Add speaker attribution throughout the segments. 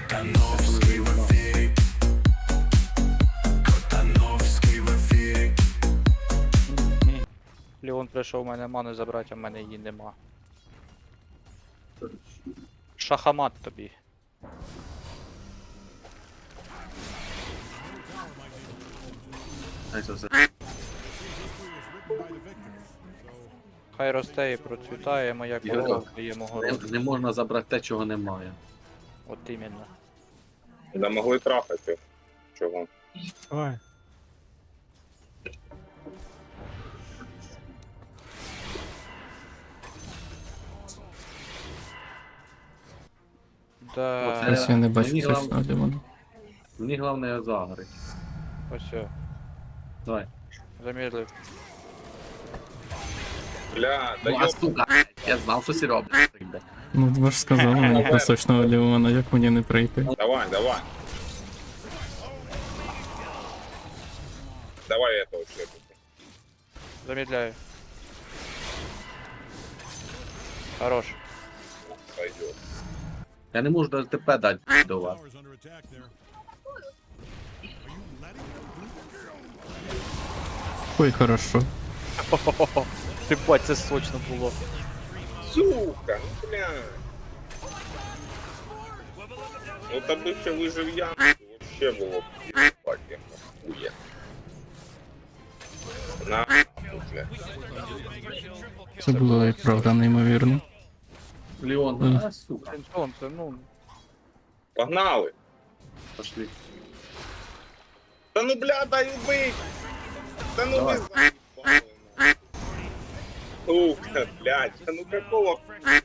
Speaker 1: Леон прийшов у мене ману забрати, а в мене її нема. Шахамат тобі. Хай росте і процвітає моя корова в моєму городі.
Speaker 2: Не можна забрати те, чого немає.
Speaker 1: От іменно.
Speaker 3: Да могли трахати. Чого?
Speaker 4: Ой.
Speaker 1: Да.
Speaker 2: Оце-
Speaker 5: Ось я не бачу
Speaker 2: Мені
Speaker 5: точно Лімона.
Speaker 2: Мені головне загорить.
Speaker 1: Ось все.
Speaker 2: Давай.
Speaker 1: Замедлив.
Speaker 3: Бля, да
Speaker 2: Ну, а
Speaker 3: ёб...
Speaker 2: сука, я знав, що сі робить.
Speaker 5: Ну, ви ж сказали мені про сочного Лімона, як мені не прийти.
Speaker 3: Давай, давай. Давай этого шлепнути.
Speaker 1: Замедляю. Хорош.
Speaker 3: Пойдет.
Speaker 2: Я не можу навіть ТП дати до вас.
Speaker 5: Ой, хорошо.
Speaker 1: Ти бать, це сочно було.
Speaker 3: Сука, ну бля. Ну та би ще вижив я, вообще було б єбать, як нахуя. На, бля.
Speaker 5: Це було і правда неймовірно.
Speaker 2: Леон, а сука.
Speaker 1: Сонце, ну.
Speaker 3: Погнали.
Speaker 2: Пошли.
Speaker 3: Та ну бля, дай убить. Та ну
Speaker 2: Давай.
Speaker 3: ви заебали, нахуй. Сука, блядь, та ну какого хуя?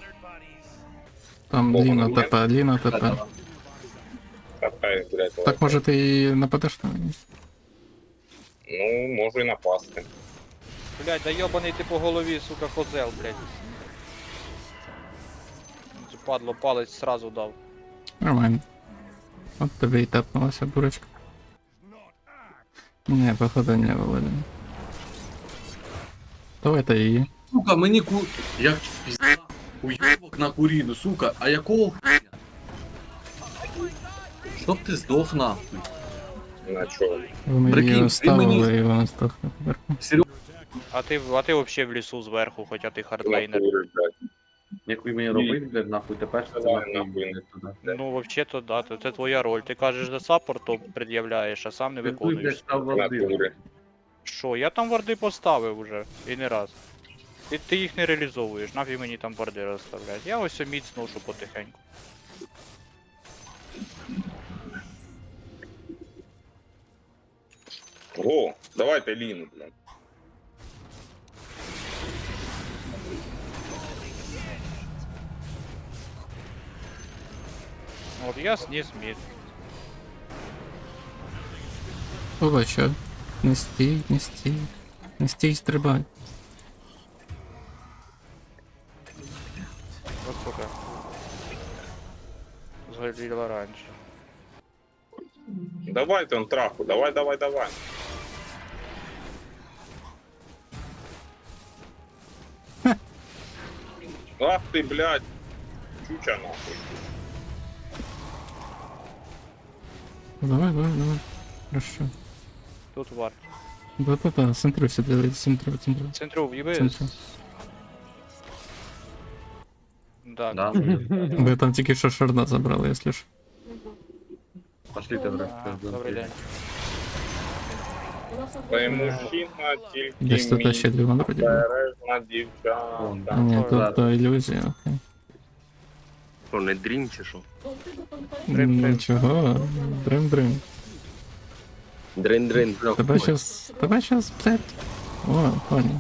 Speaker 5: Там Ліна ТП, Ліна ТП.
Speaker 3: Какая, блядь,
Speaker 5: Так може ти і нападеш на неї?
Speaker 3: Ну, можу і напасти.
Speaker 1: Блядь, да йобаний ти по голові, сука, козел, блядь. Падло, палець сразу дав.
Speaker 5: Нормально. От тобі і тепнулася дурочка. Не, походу не Володя. Давайте її.
Speaker 2: Сука, мені Як пізда. Уйобок на куріну, сука, а якого хуя? Щоб ти здох нахуй.
Speaker 3: На чого?
Speaker 5: Вони
Speaker 2: Прикинь,
Speaker 5: її
Speaker 2: ти
Speaker 5: оставили
Speaker 2: мені-
Speaker 5: і вона здохне поверху.
Speaker 2: Серйозно,
Speaker 1: А ти вообще в лісу зверху, хоча ти хардлейнер.
Speaker 3: Натури, блядь.
Speaker 2: як ви мені робити, блядь, нахуй, тепер це
Speaker 3: Давай,
Speaker 2: нахуй
Speaker 3: нахуй.
Speaker 2: не туди.
Speaker 1: Ну, вообще-то, да, це твоя роль. Ти кажеш за саппорт, то пред'являєш, а сам не
Speaker 2: Ти,
Speaker 1: виконуєш.
Speaker 2: блядь, став варди.
Speaker 3: Натури.
Speaker 1: Що, я там варди поставив уже, і не раз. Ти їх не реалізовуєш, нафіг мені там варди розставляти. Я ось міць ношу потихеньку.
Speaker 3: О, давайте Ліну, блядь.
Speaker 1: От я сніс мід.
Speaker 5: Побачу. Не стій, не стій. Не стій, стрибай.
Speaker 1: От сука. Згоріла раніше.
Speaker 3: Давайте он траху, давай, давай, давай. Ах ты, блядь. Чуча нахуй.
Speaker 5: Давай, давай, давай. Хорошо.
Speaker 1: Тут вард.
Speaker 5: Да-да-да, центру сюди, центру.
Speaker 1: Центру в'їби.
Speaker 5: Центру.
Speaker 1: Да.
Speaker 2: Да?
Speaker 5: Ви там тільки що шарда забрали, якщо ж.
Speaker 2: Пошли ти, блядь.
Speaker 1: Добрий день.
Speaker 3: Ти мужчина, тільки
Speaker 5: Десь тут ще Лімон вроді був.
Speaker 3: бережна дівчата.
Speaker 5: Ні, тут то ілюзія, окей.
Speaker 6: Що, не дрім чи що?
Speaker 1: Дрим-дрим.
Speaker 5: Нічого, дрим-дрим.
Speaker 6: Дрин-дрин.
Speaker 5: Тебе щас, блядь. О, понял.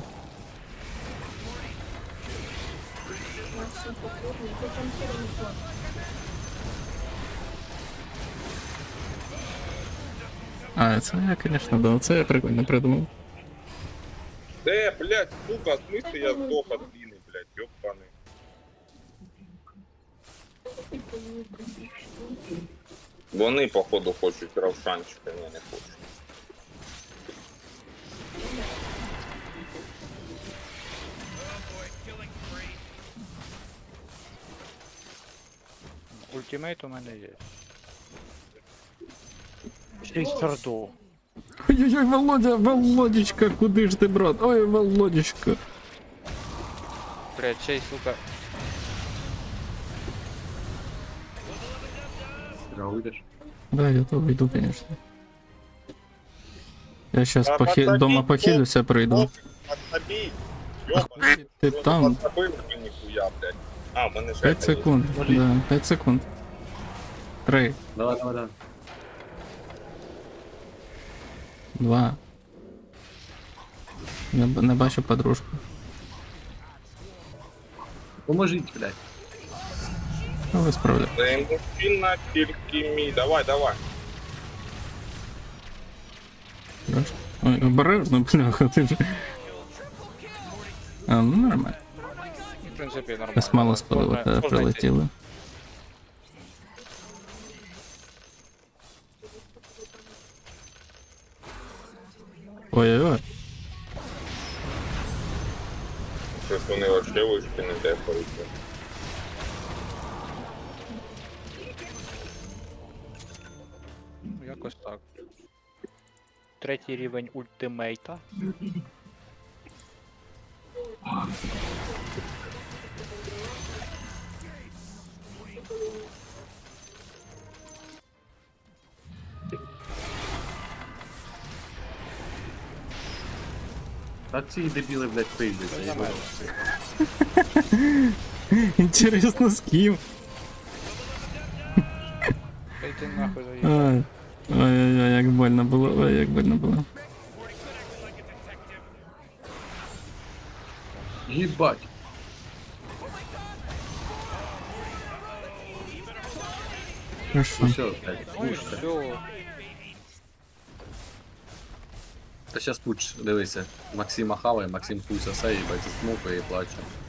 Speaker 5: А, це я, конечно, да, це я прикольно придумав.
Speaker 3: Блядь, сука, в смысле я сдох от Ліни, блядь, ёбаний. Вони, походу, хочуть равшанчика, я не хочу.
Speaker 1: ультимейт у мене є. Ще й сарду.
Speaker 5: Ой-ой-ой, Володя, Володечка, куди ж ти, брат? Ой, Володечка.
Speaker 1: Блядь, ще й, сука.
Speaker 2: Уйдеш?
Speaker 5: Да, я то вийду, конечно. Я щас
Speaker 3: Та подобій,
Speaker 5: дома похилюся, прийду.
Speaker 3: Подсобій! Ёбаный,
Speaker 5: Ти
Speaker 3: просто
Speaker 5: там
Speaker 3: подсобив вже ніхуя, блядь. А, в мене ще
Speaker 5: 5
Speaker 3: одна є.
Speaker 5: секунд. Да, 5 секунд. 3,
Speaker 2: Давай, давай, давай.
Speaker 5: 2. Не бачу подружку.
Speaker 2: Поможіть, блядь.
Speaker 5: Ну, ви справляєте.
Speaker 3: Це мужчина тільки мій. Давай, давай.
Speaker 5: Ой, обережно, бляха, ти ж. А, ну нормально.
Speaker 1: В принципі, нормально.
Speaker 5: Нас мало спалило,
Speaker 1: Можна-
Speaker 5: коли
Speaker 1: можна йти.
Speaker 5: прилетіли. Ой-ой-ой.
Speaker 3: Щось вони вообще вишки не дефаються.
Speaker 1: Ну, якось так. Третій рівень ультимейта.
Speaker 2: Так ці дебіли, блядь, прийдуться.
Speaker 1: Це нормально.
Speaker 5: Інтересно, з ким?
Speaker 1: Та йди нахуй заїжджай.
Speaker 5: Ой. Ой-ой-ой, як больно було, ой, як больно було.
Speaker 2: Їбать.
Speaker 5: Хорошо.
Speaker 2: Все, блядь,
Speaker 1: Ну і
Speaker 2: пушка.
Speaker 1: все.
Speaker 2: Та щас пуч, дивися. Максима хаває, Максим хуй сосе, їбать, смокає і плаче.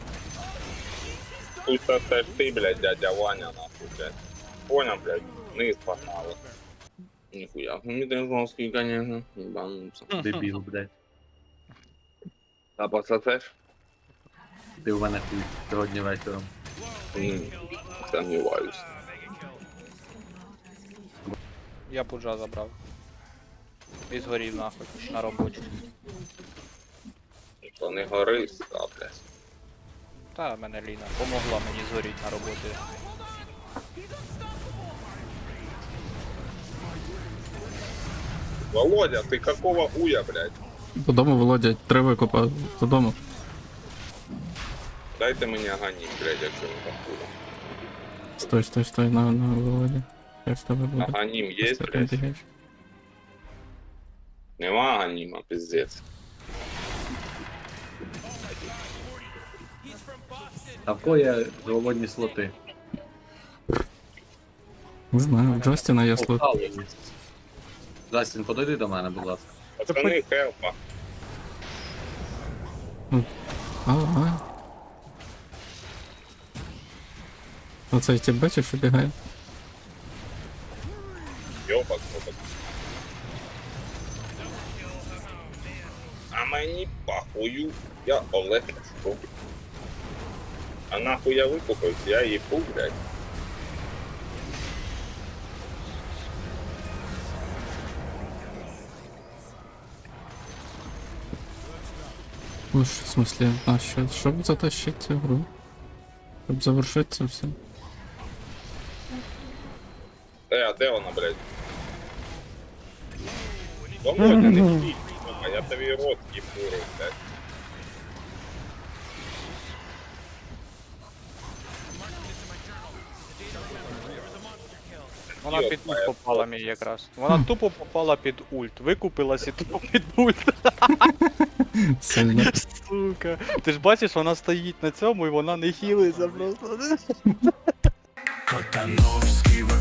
Speaker 3: Тут це ж ти, блядь, дядя Ваня, нахуй, блядь. Понял, блядь, вниз погнали. Ніхуя, мені ти жорсткий, конечно, ебануться.
Speaker 2: Дебіл, блядь.
Speaker 3: А пососеш?
Speaker 2: Ти в мене хуй сьогодні вечором.
Speaker 3: Сомневаюсь.
Speaker 1: Я пуджа забрав. І згорів нахуй на роботі.
Speaker 3: То не гори, а, блядь.
Speaker 1: Та мене Ліна помогла мені згоріти на роботі.
Speaker 3: Володя, ты какого уя, блядь?
Speaker 5: Додому, Володя, треба викопати. Додому.
Speaker 3: Дайте мені аганім, блядь, якщо не такого.
Speaker 5: Стой, стой, стой, на, Володя. Як з тебе буде?
Speaker 3: Аганім є,
Speaker 5: Просто
Speaker 3: блядь?
Speaker 5: бігаєш.
Speaker 3: Нема аганіма, пиздец.
Speaker 2: А в кого є голодні слоти?
Speaker 5: Не знаю, у Джастіна є слот.
Speaker 2: Джастін, подойди до мене, будь ласка.
Speaker 3: Пацани, хелпа.
Speaker 5: Ага. Оцей тип бачиш, що бігає?
Speaker 3: Йопак, йопак. А мені похую, я Олег Ляшко. А нахуй я викупився, я їбу, блядь.
Speaker 5: Ну, в смысле, а що, щоб затащити цю гру? Щоб завершити це все.
Speaker 3: А де вона, блядь? Володя, не стій, сука, я тобі рот їбурю, блядь.
Speaker 1: Вона під ульт попала мені якраз. Вона тупо попала під ульт. Викупилась і тупо під ульт.
Speaker 5: Сильно.
Speaker 1: Сука. Ти ж бачиш, вона стоїть на цьому і вона не хілиться просто.
Speaker 4: Котановський